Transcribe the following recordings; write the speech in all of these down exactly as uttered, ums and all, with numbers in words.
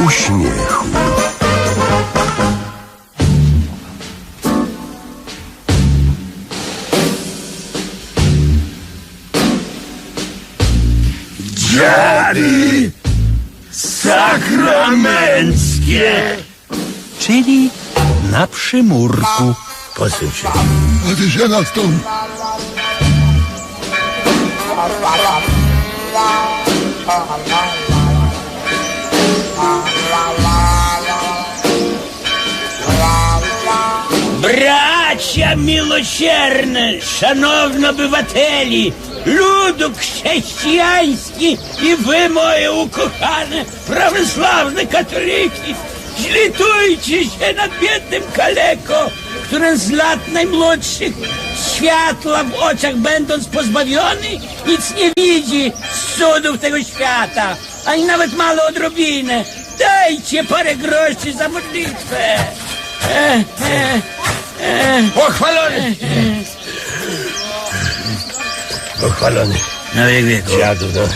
uśmiechu. Dziady sakramenckie. Czyli na przymurku. Posuń się. A ty się na stąd. Bracia miłosierne, szanowni obywateli, ludu chrześcijański i wy, moje ukochane, prawosławne katoliki, zlitujcie się nad biednym kaleko, który z lat najmłodszych światła w oczach będąc pozbawiony, nic nie widzi z cudów tego świata, ani nawet mało odrobinę. Dajcie parę groszy za modlitwę. E, e, e. Pochwalony! Pochwalony. Na wiek wieku. Dziadu, no.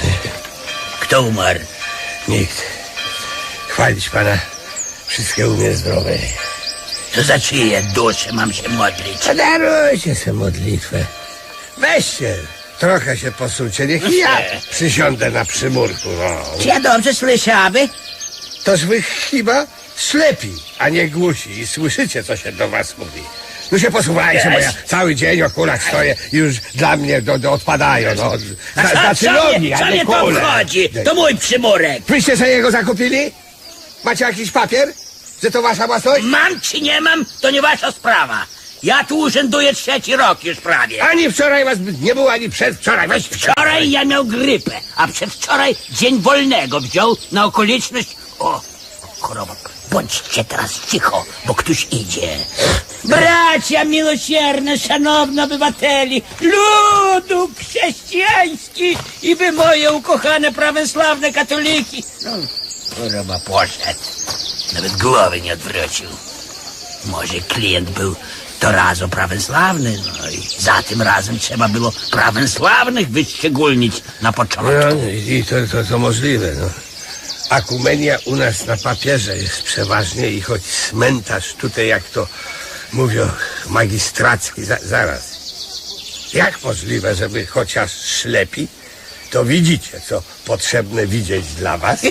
Kto umarł? Nikt. Chwalić Pana. Wszystkie u mnie zdrowe. To za czyje dusze mam się modlić? Podarujcie sobie modlitwę. Weźcie. Trochę się posuńcie. Niech ja przysiądę na przymurku. No. Czy ja dobrze słyszały? Toż wy chyba ślepi, a nie głusi i słyszycie, co się do was mówi. No się posuwajcie, bo ja cały dzień o kulach stoję i już dla mnie do, do odpadają. No. A Za, co, znaczy co nogi, mnie, a co nie mnie to kule. obchodzi? To mój przymurek. Wyście sobie jego zakupili? Macie jakiś papier, że to wasza własność? Mam czy nie mam, to nie wasza sprawa. Ja tu urzęduję trzeci rok już prawie. Ani wczoraj was nie było, ani przedwczoraj. Weź Wczoraj ja miał grypę, a przedwczoraj dzień wolnego wziął na okoliczność... O, choroba, bądźcie teraz cicho, bo ktoś idzie. Bracia miłosierne, szanowni obywateli, ludu chrześcijański i wy, moje ukochane prawosławne katoliki. No, choroba poszedł, nawet głowy nie odwrócił. Może klient był to razu prawosławny, no i za tym razem trzeba było prawosławnych wyszczególnić na początku. No i to, to, to możliwe, no. Akumenia u nas na papierze jest przeważnie i choć cmentarz tutaj, jak to mówią, magistracki, za, zaraz. Jak możliwe, żeby chociaż ślepi, to widzicie, co potrzebne widzieć dla was?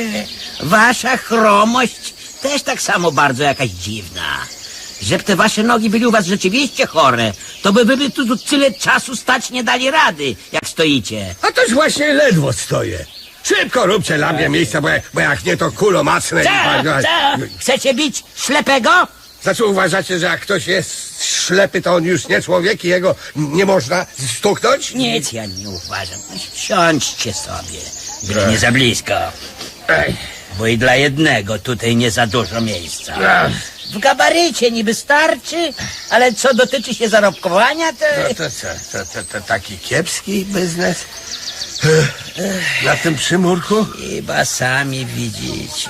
Wasza chromość też tak samo bardzo jakaś dziwna. Żeby te wasze nogi byli u was rzeczywiście chore, to by wy tu, tu tyle czasu stać nie dali rady, jak stoicie. A toż właśnie ledwo stoję. Szybko róbcie dla mnie miejsca, bo jak, bo jak nie, to kulo macne. Co? Co? Chcecie bić ślepego? Znaczy uważacie, że jak ktoś jest ślepy, to on już nie człowiek i jego nie można stuknąć? Nic ja nie uważam. Siądźcie sobie, byle nie za blisko. Ej. Bo i dla jednego tutaj nie za dużo miejsca. Ech. W gabarycie niby starczy, ale co dotyczy się zarobkowania, to... No to co, to, to, to taki kiepski biznes? Na tym przymurku? Chyba sami widzicie.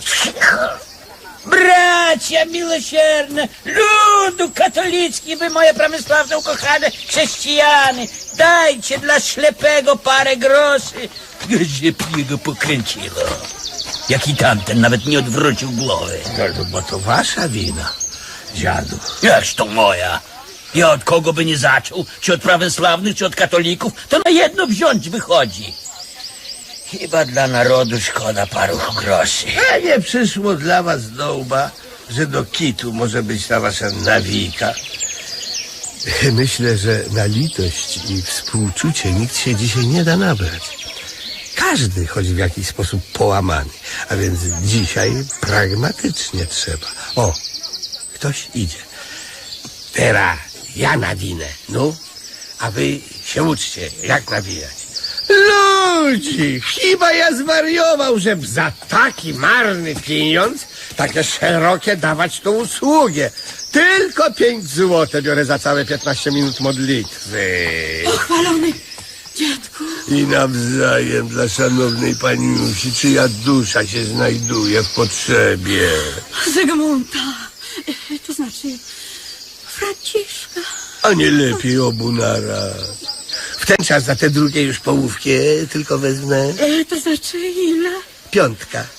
Bracia miłosierne, ludu katolicki, wy, moje prawosławne ukochane chrześcijany, dajcie dla ślepego parę groszy. Żeby jego pokręciło. Jak i tamten nawet nie odwrócił głowy. No, bo to wasza wina, dziadu. Jakż to moja? Ja od kogo by nie zaczął, czy od prawosławnych, czy od katolików, to na jedno wziąć wychodzi. Chyba dla narodu szkoda paru groszy. A nie przyszło dla was do łba, że do kitu może być ta wasza nawika? Myślę, że na litość i współczucie nikt się dzisiaj nie da nabrać. Każdy chodzi w jakiś sposób połamany, a więc dzisiaj pragmatycznie trzeba. O, ktoś idzie. Teraz ja nawinę, no, a wy się uczcie, jak nawijać. Ludzi, chyba ja zwariował, żeby za taki marny pieniądz takie szerokie dawać tą usługę. Tylko pięć złotych biorę za całe piętnaście minut modlitwy. Pochwalony dziadku. I nawzajem dla szanownej paniusi, czyja dusza się znajduje w potrzebie. Zygmunta. To znaczy Franciszka. A nie lepiej obu naraz. W ten czas za te drugie już połówkie tylko wezmę E, to znaczy ile? piątka.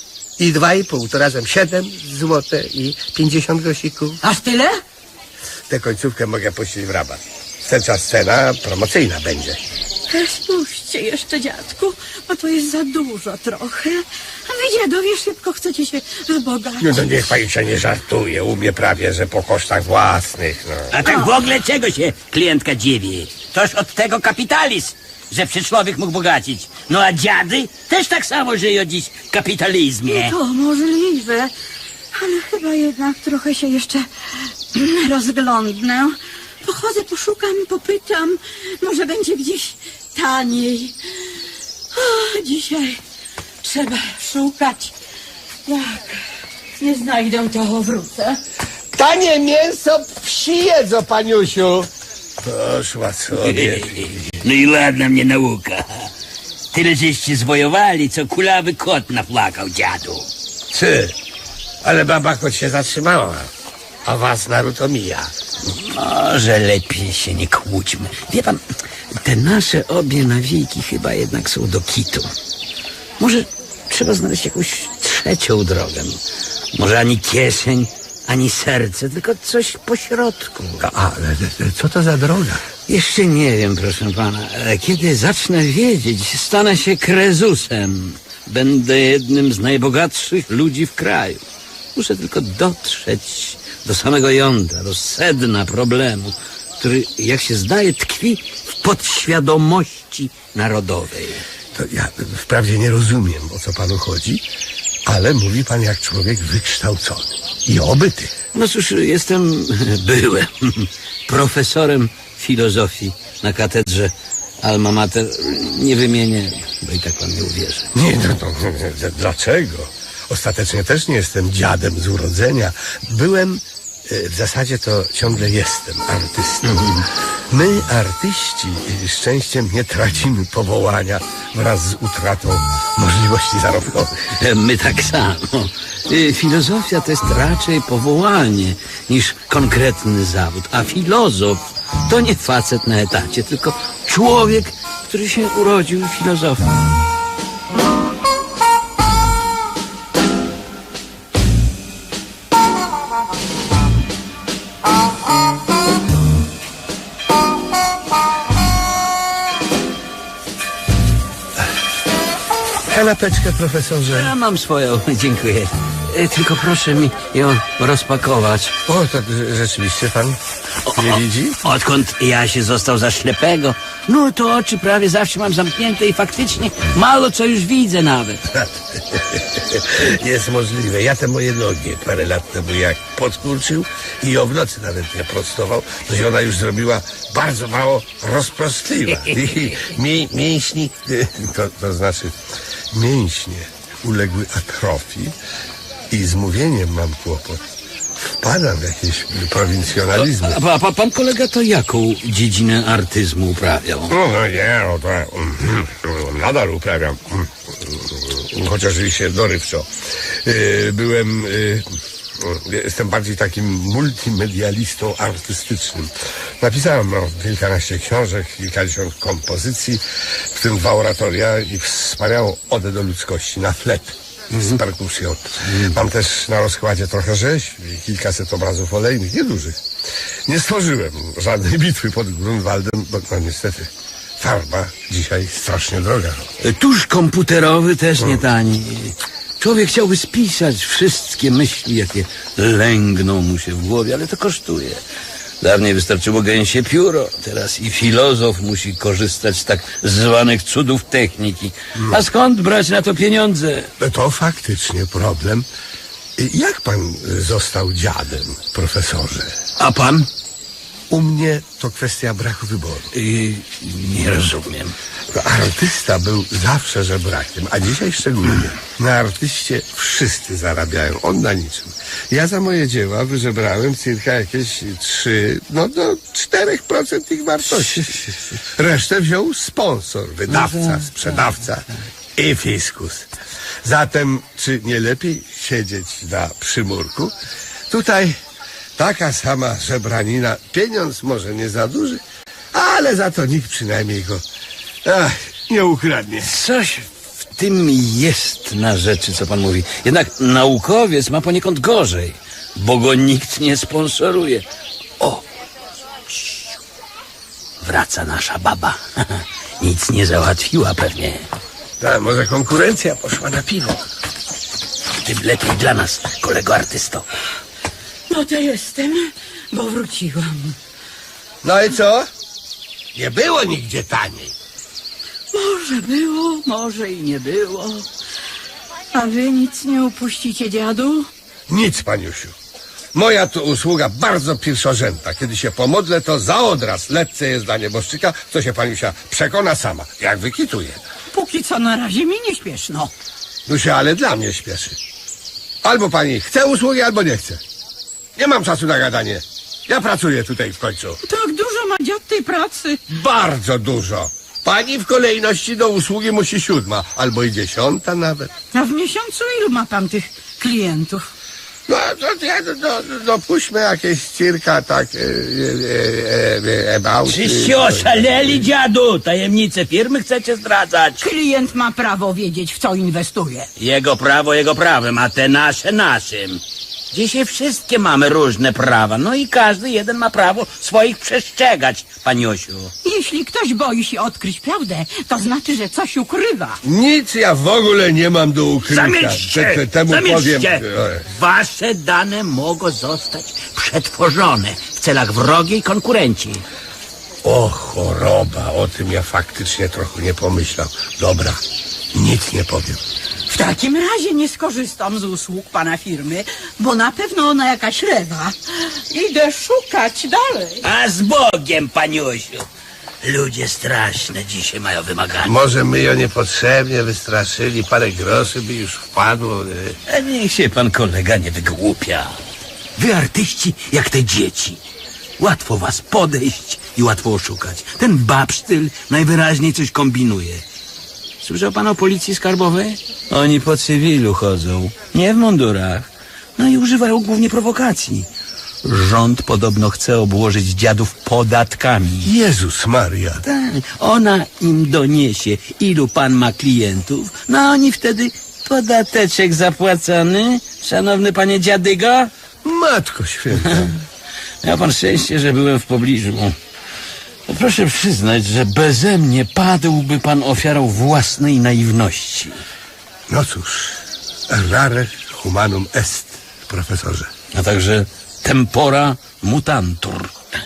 I dwa i pół, to razem siedem złote i pięćdziesiąt grosików. Aż tyle? Tę końcówkę mogę puścić w rabat. Wstępna scena promocyjna będzie. E, Spuśćcie jeszcze, dziadku, bo to jest za dużo trochę. A wy, dziadowie, szybko chcecie się wzbogacić. No, no niech pani się nie żartuje, u mnie prawie, że po kosztach własnych, no. A tak w ogóle czego się klientka dziwi? Toż od tego kapitalizm, że przy człowiek mógł bogacić. No a dziady też tak samo żyją dziś w kapitalizmie. To możliwe, ale chyba jednak trochę się jeszcze rozglądnę. Pochodzę, poszukam, popytam. Może będzie gdzieś taniej. O, dzisiaj trzeba szukać. Jak nie znajdę, to wrócę. Tanie mięso psi jedzą, paniusiu. Poszła sobie. No i ładna mnie nauka. Tyle żeście zwojowali, co kulawy kot naplakał dziadu. Ty, ale baba choć się zatrzymała, a was naród omija. Może lepiej się nie kłóćmy. Wie pan, te nasze obie nawiki chyba jednak są do kitu. Może trzeba znaleźć jakąś trzecią drogę. Może ani kieszeń, ani serce, tylko coś po środku. A, ale co to za droga? Jeszcze nie wiem, proszę pana, ale kiedy zacznę wiedzieć, stanę się krezusem. Będę jednym z najbogatszych ludzi w kraju. Muszę tylko dotrzeć do samego jądra, do sedna problemu, który, jak się zdaje, tkwi w podświadomości narodowej. To ja wprawdzie nie rozumiem, o co panu chodzi, ale mówi pan jak człowiek wykształcony i obyty. No cóż, jestem, byłem profesorem filozofii na katedrze Alma Mater. Nie wymienię, bo i tak pan nie uwierzy. Nie, no to dlaczego? Ostatecznie też nie jestem dziadem z urodzenia. Byłem, e, w zasadzie to ciągle jestem artystą. My, artyści, szczęściem nie tracimy powołania wraz z utratą możliwości zarobkowych. My tak samo. Y, Filozofia to jest raczej powołanie niż konkretny zawód, a filozof to nie facet na etacie, tylko człowiek, który się urodził filozofem. Kanapeczkę, profesorze. Ja mam swoją, dziękuję. Y, Tylko proszę mi ją rozpakować. O, tak rze- rzeczywiście pan nie widzi? Odkąd ja się został za ślepego, no to oczy prawie zawsze mam zamknięte i faktycznie mało co już widzę nawet. Jest możliwe. Ja te moje nogi parę lat temu jak podkurczył i ją w nocy nawet nie prostował, to się ona już zrobiła bardzo mało rozprostliwa. I mi, mięśni, to, to znaczy mięśnie uległy atrofii i z mówieniem mam kłopot. Wpadam w jakieś prowincjonalizmy. A, a, a pan kolega to jaką dziedzinę artyzmu uprawiał? No, no nie, no to mm, nadal uprawiam, mm, chociaż i się dorywczo. Yy, byłem, yy, jestem bardziej takim multimedialistą artystycznym. Napisałem no, kilkanaście książek, kilkadziesiąt kompozycji, w tym dwa oratoria i wspaniałą odę do ludzkości na flet. Z perkusją. Mam też na rozkładzie trochę rzeźb i kilkaset obrazów olejnych, niedużych. Nie stworzyłem żadnej bitwy pod Grunwaldem, bo no niestety farba dzisiaj strasznie droga. Tusz komputerowy też nie tani. Człowiek chciałby spisać wszystkie myśli, jakie lęgną mu się w głowie, ale to kosztuje. Dawniej wystarczyło gęsie pióro, teraz i filozof musi korzystać z tak zwanych cudów techniki. A skąd brać na to pieniądze? To faktycznie problem. Jak pan został dziadem, profesorze? A pan? U mnie to kwestia braku wyboru. Yy, nie rozumiem. Artysta był zawsze żebrakiem, a dzisiaj szczególnie. Na artyście wszyscy zarabiają, on na niczym. Ja za moje dzieła wyżebrałem cirka jakieś trzy, no do czterech procent ich wartości. Resztę wziął sponsor, wydawca, sprzedawca i fiskus. Zatem, czy nie lepiej siedzieć na przymurku? Tutaj taka sama żebranina, pieniądz może nie za duży, ale za to nikt przynajmniej go ach, nie ukradnie. Coś W tym jest na rzeczy, co pan mówi. Jednak naukowiec ma poniekąd gorzej, bo go nikt nie sponsoruje. O! Ciu. Wraca nasza baba. Nic nie załatwiła pewnie. Tak, może konkurencja poszła na piwo. Tym lepiej dla nas, kolego artysto. No to jestem, bo wróciłam. No i co? Nie było nigdzie taniej. Może było, może i nie było. A wy nic nie upuścicie, dziadu? Nic, paniusiu. Moja tu usługa bardzo pierwszorzędna. Kiedy się pomodlę, to za odraz lecce jest dla nieboszczyka, co się paniusia przekona sama, jak wykituje. Póki co na razie mi nie śpieszno. No się ale dla mnie śpieszy. Albo pani chce usługi, albo nie chce. Nie mam czasu na gadanie. Ja pracuję tutaj w końcu. Tak dużo ma dziad tej pracy. Bardzo dużo. Pani w kolejności do usługi musi siódma, albo i dziesiąta nawet. A w miesiącu ilu ma pan tych klientów? No, to ja do, do, dopuśćmy jakieś cirka tak e, e, e, about... Czyście oszaleli, dziadu? Tajemnice firmy chcecie zdradzać? Klient ma prawo wiedzieć, w co inwestuje. Jego prawo jego prawem, a te nasze naszym. Dzisiaj wszystkie mamy różne prawa, no i każdy jeden ma prawo swoich przestrzegać, paniosiu. Jeśli ktoś boi się odkryć prawdę, to znaczy, że coś ukrywa. Nic ja w ogóle nie mam do ukrycia. Zamilczcie! Te- te- Temu powiem... Zamilczcie! e, Wasze dane mogą zostać przetworzone w celach wrogiej konkurencji. O choroba, o tym ja faktycznie trochę nie pomyślał. Dobra, nic nie powiem. W takim razie nie skorzystam z usług pana firmy, bo na pewno ona jakaś lewa. Idę szukać dalej. A z Bogiem, paniusiu. Ludzie straszne dzisiaj mają wymagania. Może my ją niepotrzebnie wystraszyli, parę groszy by już wpadło. e. A niech się pan kolega nie wygłupia. Wy artyści jak te dzieci. Łatwo was podejść i łatwo oszukać. Ten babsztyl najwyraźniej coś kombinuje. Słyszał pan o policji skarbowej? Oni po cywilu chodzą, nie w mundurach. No i używają głównie prowokacji. Rząd podobno chce obłożyć dziadów podatkami. Jezus Maria. Tak, ona im doniesie, ilu pan ma klientów, no a oni wtedy podateczek zapłacony, szanowny panie dziadygo. Matko święta. Miał pan szczęście, że byłem w pobliżu. No proszę przyznać, że beze mnie padłby pan ofiarą własnej naiwności. No cóż, rare humanum est, profesorze. A także tempora mutantur.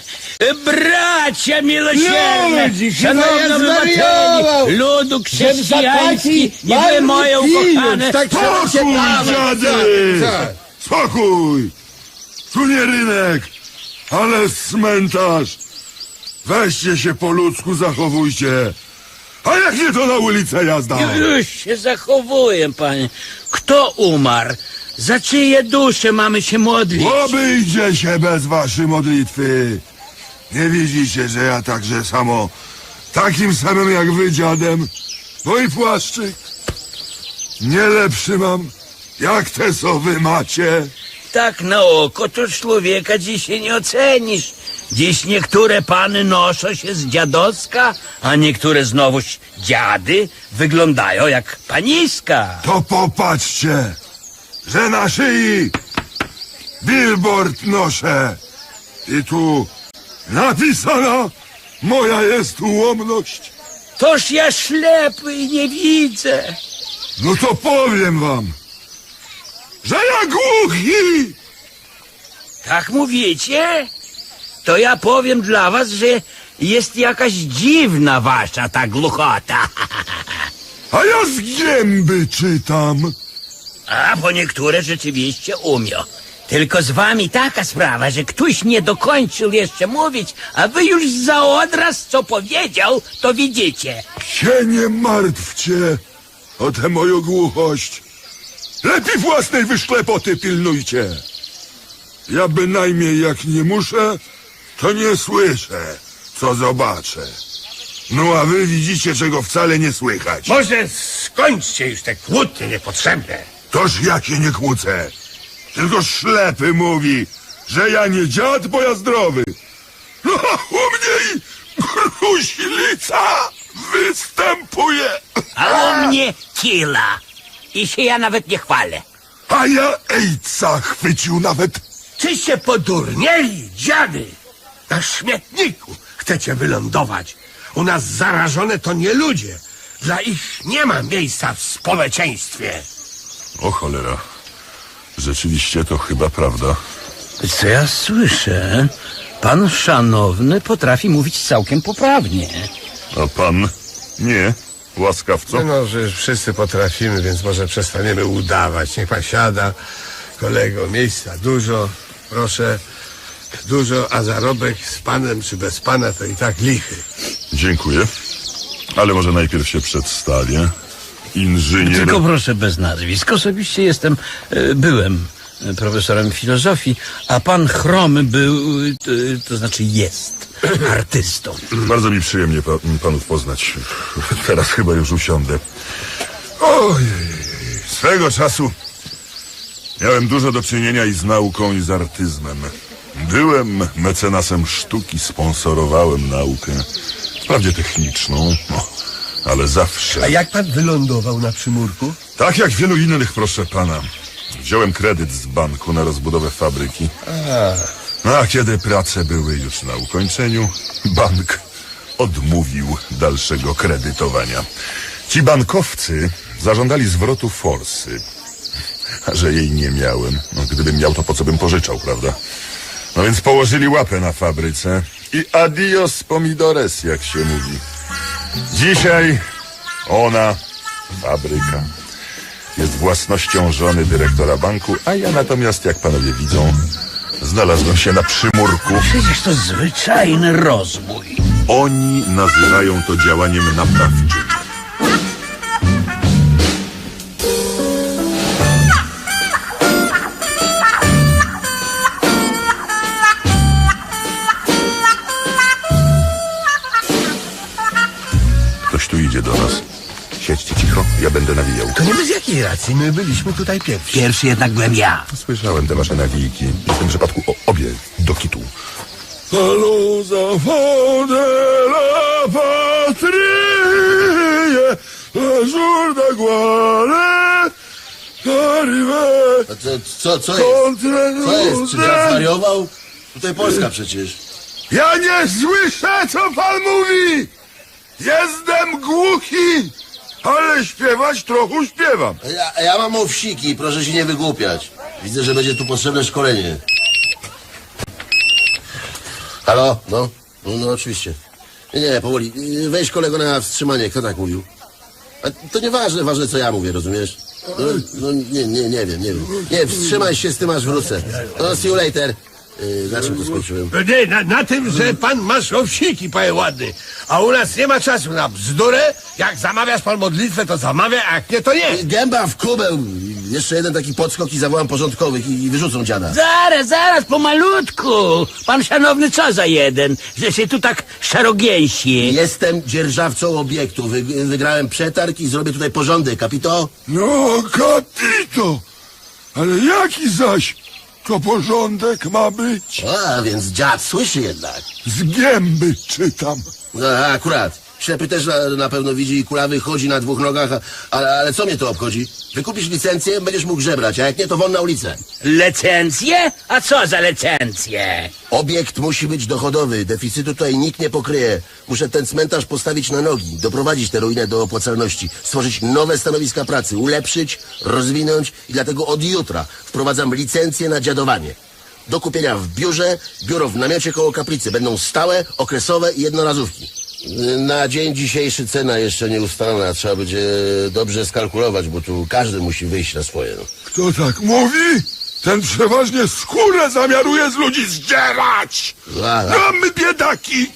Bracia miłosierne, Ludzi, szanowni chyba ja obywateli, zwariował. ludu chrześcijański i wy marny moje ukochane... Tak trzeba się Spokój, dawać. dziady! Co? Co? Spokój! Tu nie rynek, ale cmentarz. Weźcie się po ludzku, zachowujcie. A jak nie, to na ulicę jazda. Już się zachowuję, panie. Kto umarł? Za czyje dusze mamy się modlić? Obejdzie się bez waszej modlitwy. Nie widzicie, że ja także samo, takim samym jak wy, dziadem, no i płaszczyk. Nie lepszy mam, jak te, co wy macie. Tak na oko to człowieka dzisiaj nie ocenisz. Dziś niektóre pany noszą się z dziadowska, a niektóre znowuż dziady wyglądają jak paniska. To popatrzcie, że na szyi billboard noszę i tu napisana moja jest ułomność. Toż ja ślepy i nie widzę. No to powiem wam, że ja głuchi. Tak mówicie? To ja powiem dla was, że jest jakaś dziwna wasza ta głuchota. A ja z gęby czytam. A bo niektóre rzeczywiście umią. Tylko z wami taka sprawa, że ktoś nie dokończył jeszcze mówić, a wy już za odraz co powiedział, to widzicie. Się nie martwcie o tę moją głuchość. Lepiej własnej wyszklepoty pilnujcie. Ja bynajmniej jak nie muszę, to nie słyszę, co zobaczę. No a wy widzicie, czego wcale nie słychać. Może skończcie już te kłótnie niepotrzebne. Toż ja się nie kłócę. Tylko ślepy mówi, że ja nie dziad, bo ja zdrowy. No a u mnie i gruźlica. występuje. A u mnie kila. I się ja nawet nie chwalę. A ja ejca chwycił nawet. Czyście podurnieli, dziady! Na śmietniku chcecie wylądować. U nas zarażone to nie ludzie. Dla ich nie ma miejsca w społeczeństwie. O cholera. Rzeczywiście to chyba prawda. Co ja słyszę? Pan szanowny potrafi mówić całkiem poprawnie. A pan? Nie. Łaskawco? No, no, że wszyscy potrafimy, więc może przestaniemy udawać. Niech pan siada. Kolego, miejsca dużo. Proszę. Dużo, a zarobek z panem czy bez pana to i tak lichy. Dziękuję. Ale może najpierw się przedstawię. Inżynier... Tylko proszę bez nazwisk. Osobiście jestem, e, byłem e, profesorem filozofii, a pan Chromy był, e, to znaczy jest artystą. Bardzo mi przyjemnie pa, panów poznać. Teraz chyba już usiądę. Ojej, swego czasu miałem dużo do czynienia i z nauką, i z artyzmem. Byłem mecenasem sztuki, sponsorowałem naukę. Wprawdzie techniczną, no, ale zawsze. A jak pan wylądował na przymurku? Tak jak wielu innych, proszę pana. Wziąłem kredyt z banku na rozbudowę fabryki. No, a kiedy prace były już na ukończeniu, bank odmówił dalszego kredytowania. Ci bankowcy zażądali zwrotu forsy. A że jej nie miałem, no gdybym miał, to po co bym pożyczał, prawda? No więc położyli łapę na fabryce i adios pomidores, jak się mówi. Dzisiaj ona, fabryka, jest własnością żony dyrektora banku, a ja natomiast, jak panowie widzą, znalazłem się na przymurku. Przecież to zwyczajny rozbój. Oni nazywają to działaniem naprawczym. Ktoś tu idzie do nas. Siedźcie cicho, ja będę nawijał. To nie bez jakiej racji, my byliśmy tutaj pierwsi. Pierwszy jednak byłem ja. Słyszałem te wasze nawijki. W tym przypadku o, obie do kitu. Halo za wodę, la patrie, la jour de gloire, arrivé, A co, co, co jest? contre Co jest? Czy ja nous. zwariował? Tutaj Polska przecież. Ja nie słyszę, co pan mówi! Jestem głuchi, ale śpiewać trochę śpiewam. A ja, a ja mam owsiki, proszę się nie wygłupiać. Widzę, że będzie tu potrzebne szkolenie. Halo? No? No, no oczywiście. Nie, nie, powoli. Weź kolego na wstrzymanie, kto tak mówił? A to nieważne, ważne co ja mówię, rozumiesz? No, no nie, nie, nie wiem, nie wiem. Nie, wstrzymaj się z tym, aż wrócę. No, see you later. Yy, na czym to skończyłem? Nie, na, na tym, że pan masz owsiki, panie ładny. A u nas nie ma czasu na bzdurę. Jak zamawiasz pan modlitwę, to zamawia, a jak nie, to nie. Gęba w kubeł. Jeszcze jeden taki podskok i zawołam porządkowych i, i wyrzucą dziada. Zaraz, zaraz, pomalutku. Pan szanowny, co za jeden, że się tu tak szarogęsi. Jestem dzierżawcą obiektu. Wy, wygrałem przetarg i zrobię tutaj porządek, kapito? No, kapito! Ale jaki zaś to porządek ma być? A, więc dziad słyszy jednak. Z gęby czytam. No, akurat. Ślepy też na, na pewno widzi i kulawy chodzi na dwóch nogach, a, ale, ale co mnie to obchodzi? Wykupisz licencję, będziesz mógł żebrać, a jak nie, to won na ulicę. Licencje? A co za licencje? Obiekt musi być dochodowy, deficytu tutaj nikt nie pokryje. Muszę ten cmentarz postawić na nogi, doprowadzić tę ruinę do opłacalności, stworzyć nowe stanowiska pracy, ulepszyć, rozwinąć i dlatego od jutra wprowadzam licencję na dziadowanie. Do kupienia w biurze, biuro w namiocie koło kaplicy. Będą stałe, okresowe i jednorazówki. Na dzień dzisiejszy cena jeszcze nie ustalona. Trzeba będzie dobrze skalkulować, bo tu każdy musi wyjść na swoje. No. Kto tak mówi? Ten przeważnie skórę zamiaruje z ludzi zdzierać! A, a, No my biedaki!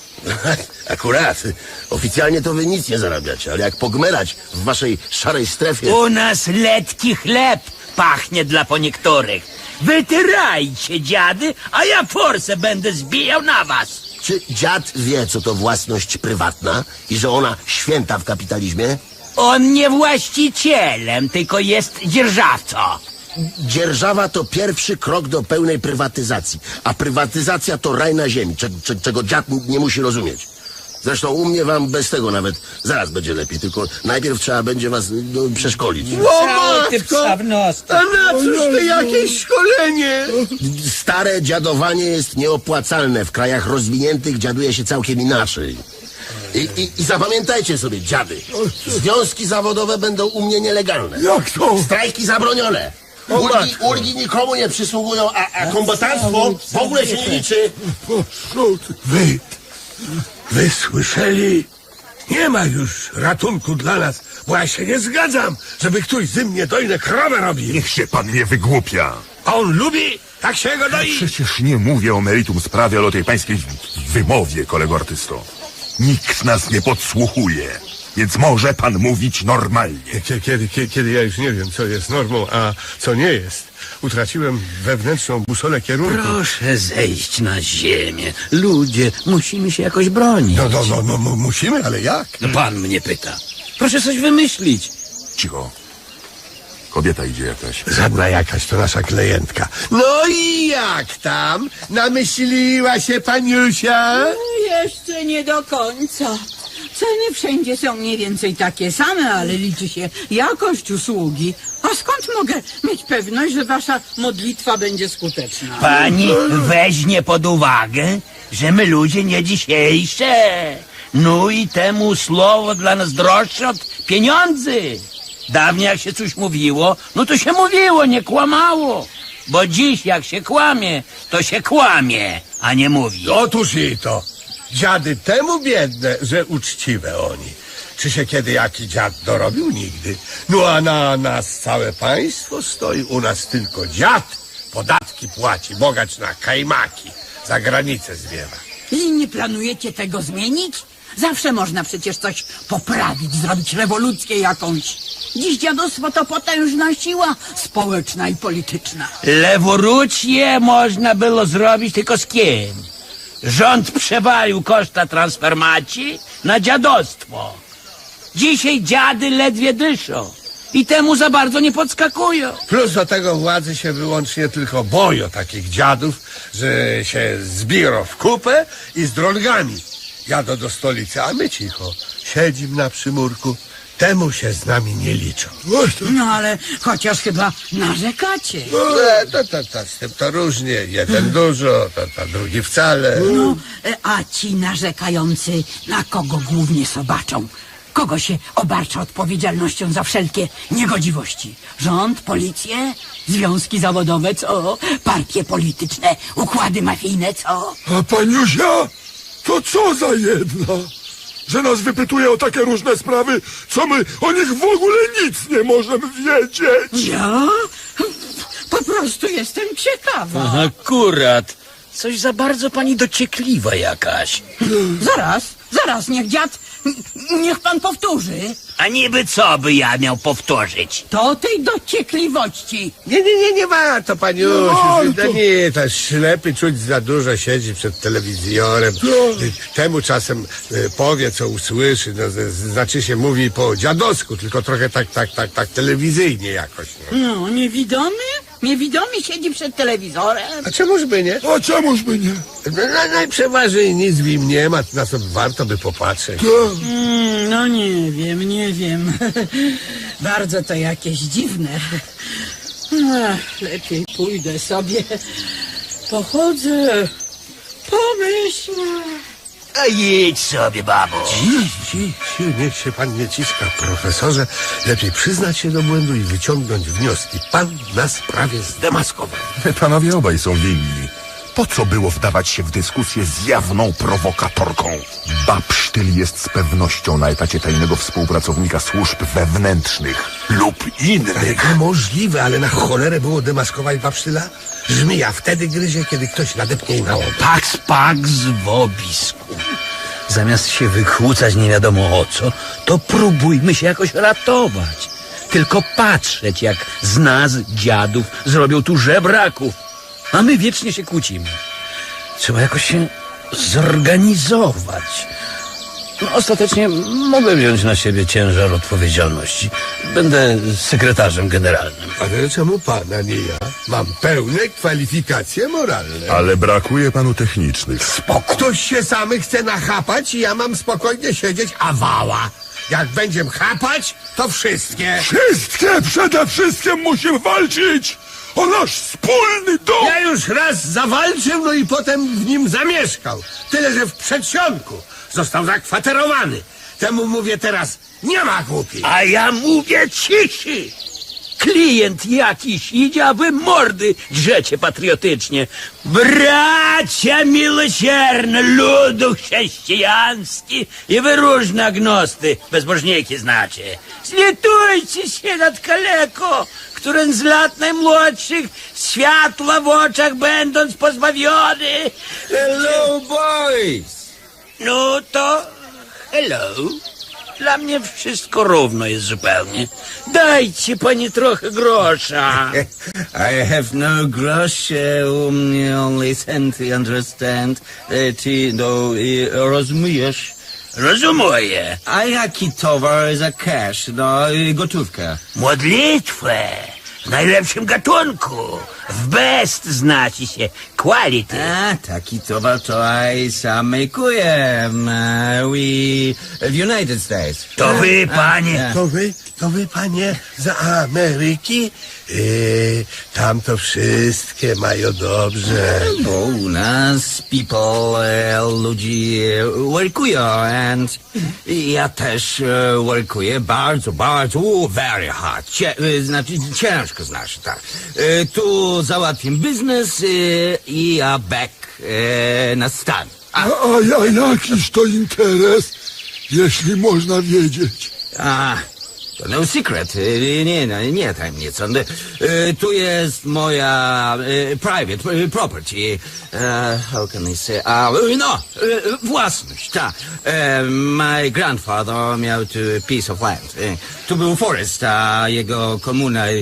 akurat. Oficjalnie to wy nic nie zarabiacie, ale jak pogmerać w waszej szarej strefie... U nas letki chleb pachnie dla po niektórych. Wytyrajcie, dziady, a ja forsę będę zbijał na was. Czy dziad wie, co to własność prywatna i że ona święta w kapitalizmie? On nie właścicielem, tylko jest dzierżawcą. Dzierżawa to pierwszy krok do pełnej prywatyzacji, a prywatyzacja to raj na ziemi, cze, cze, czego dziad nie musi rozumieć. Zresztą u mnie wam bez tego nawet zaraz będzie lepiej, tylko najpierw trzeba będzie was no, przeszkolić. O Cały ty matko! psa w nos. A na cóż to jakieś szkolenie? Stare dziadowanie jest nieopłacalne. W krajach rozwiniętych dziaduje się całkiem inaczej. I, i, I zapamiętajcie sobie, dziady. Związki zawodowe będą u mnie nielegalne. Jak to? Strajki zabronione. Ulgi, ulgi nikomu nie przysługują, a, a kombatanstwo w ogóle się nie liczy. Wy, wy słyszeli? Nie ma już ratunku dla nas, bo ja się nie zgadzam, żeby ktoś ze mnie dojne krowę robił. Niech się pan nie wygłupia. A on lubi, tak się go doi. Przecież nie mówię o meritum sprawy, ale o tej pańskiej wymowie, kolego artysto. Nikt nas nie podsłuchuje, więc może pan mówić normalnie. Kiedy, kiedy, kiedy, kiedy ja już nie wiem, co jest normą, a co nie jest. Utraciłem wewnętrzną busolę kierunku. Proszę zejść na ziemię. Ludzie, musimy się jakoś bronić. No, no, no, no, no, musimy, ale jak? No pan mnie pyta. Proszę coś wymyślić. Cicho. Kobieta idzie jakaś. Żadna jakaś to nasza klientka. No i jak tam? Namyśliła się paniusia? Jeszcze nie do końca. Ceny wszędzie są mniej więcej takie same, ale liczy się jakość usługi. A skąd mogę mieć pewność, że wasza modlitwa będzie skuteczna? Pani weźmie pod uwagę, że my ludzie nie dzisiejsze. No i temu słowo dla nas droższe od pieniędzy. Dawniej jak się coś mówiło, no to się mówiło, nie kłamało. Bo dziś jak się kłamie, to się kłamie, a nie mówi. Otóż i to. Dziady temu biedne, że uczciwe oni. Czy się kiedy jaki dziad dorobił? Nigdy. No a na nas całe państwo stoi, u nas tylko dziad. Podatki płaci, bogacz na kajmaki. Za granicę zwiewa. I nie planujecie tego zmienić? Zawsze można przecież coś poprawić, zrobić rewolucję jakąś. Dziś dziadostwo to potężna siła społeczna i polityczna. Rewolucję można było zrobić tylko z kim? Rząd przewalił koszta transformacji na dziadostwo. Dzisiaj dziady ledwie dyszą i temu za bardzo nie podskakują. Plus do tego władzy się wyłącznie tylko boją takich dziadów, że się zbiorą w kupę i z drągami jadą do stolicy, a my cicho siedzimy na przymurku. Temu się z nami nie liczą. No ale chociaż chyba narzekacie. E, to, to, to, z tym to różnie. Jeden dużo, to, to drugi wcale. No, e, a ci narzekający na kogo głównie sobaczą? Kogo się obarcza odpowiedzialnością za wszelkie niegodziwości? Rząd, policję, związki zawodowe, co? Partie polityczne, układy mafijne, co? A paniusia, to co za jedna? Że nas wypytuje o takie różne sprawy, co my o nich w ogóle nic nie możemy wiedzieć. Ja? Po prostu jestem ciekawa. Akurat. Coś za bardzo pani dociekliwa jakaś. Zaraz, zaraz, niech dziad, niech pan powtórzy. A niby co by ja miał powtórzyć? To tej dociekliwości. Nie, nie, nie, nie warto, paniusiu. No, No, to- nie, to ślepy czuć za dużo siedzi przed telewizorem. Temu czasem e, powie, co usłyszy. No, z- znaczy się mówi po dziadowsku, tylko trochę tak, tak, tak, tak telewizyjnie jakoś. No. No, niewidomy? Niewidomy siedzi przed telewizorem. A czemuż by nie? A czemuż by nie? No, na- najprzeważniej nic w nim nie ma, na co warto by popatrzeć. Mm, no nie wiem, nie wiem. Bardzo to jakieś dziwne. Ach, lepiej pójdę sobie. Pochodzę. Pomyślę. A jedź sobie, babo. Ci, ci, niech się pan nie ciska, profesorze. Lepiej przyznać się do błędu i wyciągnąć wnioski. Pan nas prawie zdemaskował. Panowie obaj są winni. Po co było wdawać się w dyskusję z jawną prowokatorką? Babsztyl jest z pewnością na etacie tajnego współpracownika służb wewnętrznych lub innych. Niemożliwe, ale na cholerę było demaskować babsztyla? Żmija wtedy gryzie, kiedy ktoś nadepnie jej na łeb. Pax, pax w obisku. Zamiast się wykłócać nie wiadomo o co, to próbujmy się jakoś ratować. Tylko patrzeć, jak z nas, dziadów, zrobią tu żebraków. A my wiecznie się kłócimy. Trzeba jakoś się zorganizować. No, ostatecznie mogę wziąć na siebie ciężar odpowiedzialności. Będę sekretarzem generalnym. Ale czemu pan, a nie ja? Mam pełne kwalifikacje moralne. Ale brakuje panu technicznych. Ktoś się samy chce nachapać i ja mam spokojnie siedzieć, a wała. Jak będziemy chapać, to wszystkie. Wszystkie przede wszystkim musimy walczyć o nasz wspólny dom! Ja już raz zawalczył, no i potem w nim zamieszkał. Tyle, że w przedsionku został zakwaterowany. Temu mówię teraz, nie ma głupi. A ja mówię ciszy. Klient jakiś idzie, a wy mordy drzecie patriotycznie. Bracia miłosierne, ludu chrześcijański i wy różne agnosty, bezbożniki znacie. Zlitujcie się nad kaleko, który z lat najmłodszych światła w oczach będąc pozbawiony. Hello, boys! No to hello. Dla mnie wszystko równo jest zupełnie. Dajcie pani trochę grosza. I have no grosz, um, only cent, understand. E, Ty, no, e, rozumiesz? Rozumuję. A jaki towar za cash? No, e, gotówka. Modlitwę w najlepszym gatunku. W best znacie się. Quality. A, taki towar to I sam makuję. We w United States. To wy, panie. To wy, to wy, panie, z Ameryki? Yy, tam to wszystkie mają dobrze. Bo u nas people, e, ludzi e, workują, and ja też e, workuję bardzo, bardzo, uh, very hard. Cie, e, znaczy ciężko znaczy, tak. E, tu załatwię biznes e, i ja back e, na stan. A, a ja jakiś to interes, jeśli można wiedzieć. A, to no secret, e, nie, nie, nie tajemnica. E, tu jest moja e, private e, property. E, how can I say? A, e, no, e, własność, tak. E, my grandfather miał tu piece of land. E, tu był forest, a jego komuna... E,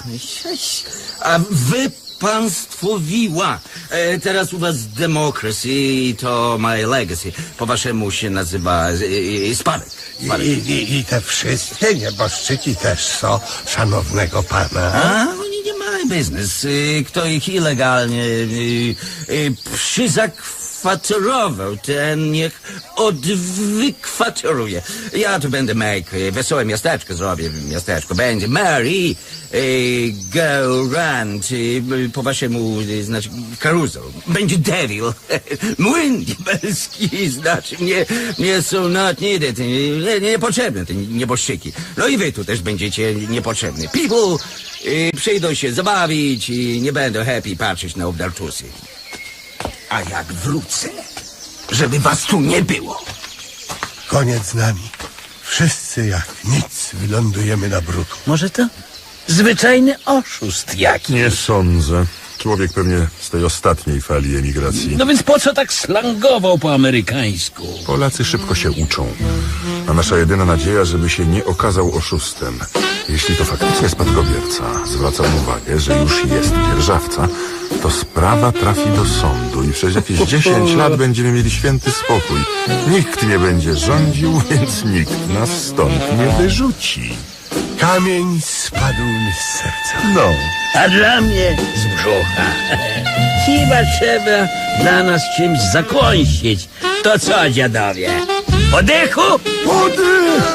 a wy państwowiła. E, teraz u was democracy to my legacy. Po waszemu się nazywa e, e, spadek. I, spadek. i, I te wszystkie nieboszczyki też są szanownego pana. A oni nie mają biznes. Y, Kto ich ilegalnie y, y, przyzakwaterował, ten niech odwykwateruje. Ja tu będę make y, wesołe miasteczko zrobię. Miasteczko będzie Mary y, go round y, po waszemu, y, znaczy karuzel. Będzie devil. Młyn diabelski, znaczy nie, nie są not needed. Nie, niepotrzebne te nieboszczyki. No i wy tu też będziecie niepotrzebni. People y, przyjdą się zabawić i nie będą happy patrzeć na obdartusy. A jak wrócę, żeby was tu nie było. Koniec z nami. Wszyscy jak nic wylądujemy na bruku. Może to zwyczajny oszust jaki. Nie sądzę. Człowiek pewnie z tej ostatniej fali emigracji. No więc po co tak slangował po amerykańsku? Polacy szybko się uczą. A nasza jedyna nadzieja, żeby się nie okazał oszustem. Jeśli to faktycznie spadkobierca, zwracam uwagę, że już jest dzierżawca, to sprawa trafi do sądu i przez jakieś dziesięć lat będziemy mieli święty spokój. Nikt nie będzie rządził, więc nikt nas stąd nie wyrzuci. Kamień spadł mi z serca. No. A dla mnie z brzucha. Chyba trzeba dla nas czymś zakąsić. To co, dziadowie? Podechu? Podych!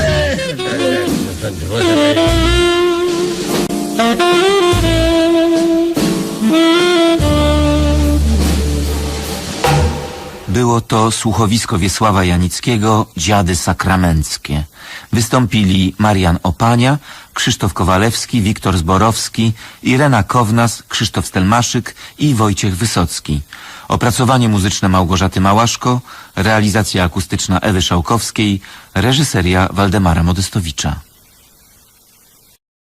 Było to słuchowisko Wiesława Janickiego Dziady sakramenckie. Wystąpili Marian Opania, Krzysztof Kowalewski, Wiktor Zborowski, Irena Kownas, Krzysztof Stelmaszyk i Wojciech Wysocki. Opracowanie muzyczne Małgorzaty Małaszko, realizacja akustyczna Ewy Szałkowskiej, reżyseria Waldemara Modestowicza.